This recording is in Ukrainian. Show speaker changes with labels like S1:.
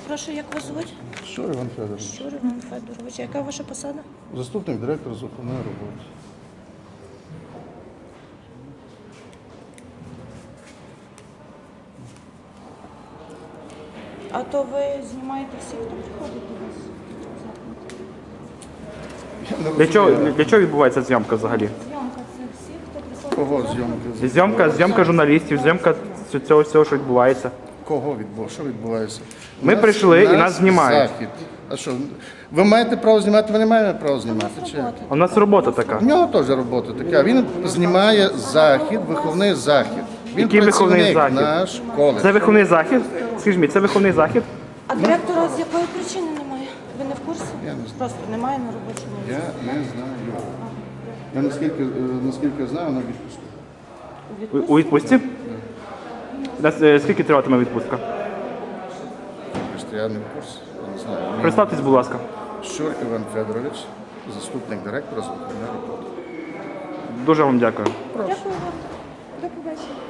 S1: Перепрошую, як вас звуть?
S2: Щур Іван Федорович.
S1: Щур Іван Федорович. Яка ваша посада?
S2: Заступник директора з охоронної роботи.
S1: А то ви знімаєте всіх, хто приходить до вас?
S3: Для чого відбувається зйомка взагалі?
S1: Зйомка це всі, хто приходить.
S2: Кого зйомки?
S3: Зйомка журналістів, зйомка цього всього, що відбувається.
S2: Кого відбувається? Що відбувається?
S3: Ми прийшли і нас знімають.
S2: Захід. А що, ви маєте право знімати, ви не маєте права знімати? Чи?
S3: У нас робота така.
S2: У нього теж робота така. Він знімає захід, виховний захід. Він
S3: Який виховний
S2: працівник
S3: захід?
S2: наш коледж.
S3: Це виховний захід? Скажіть мені, це виховний захід?
S1: А директора з якої причини немає? Ви не в курсі?
S2: Я не знаю.
S1: Просто немає на робочому місці.
S2: Я не знаю. Я наскільки знаю, на відпуску.
S3: У відпустці? Скільки триватиме відпустка?
S2: Я не в курсі, я не знаю.
S3: Представтесь, будь ласка.
S2: Щур Іван Федорович, заступник директора з охоронної роботи.
S3: Дуже вам дякую.
S1: Дякую вам. До побачення.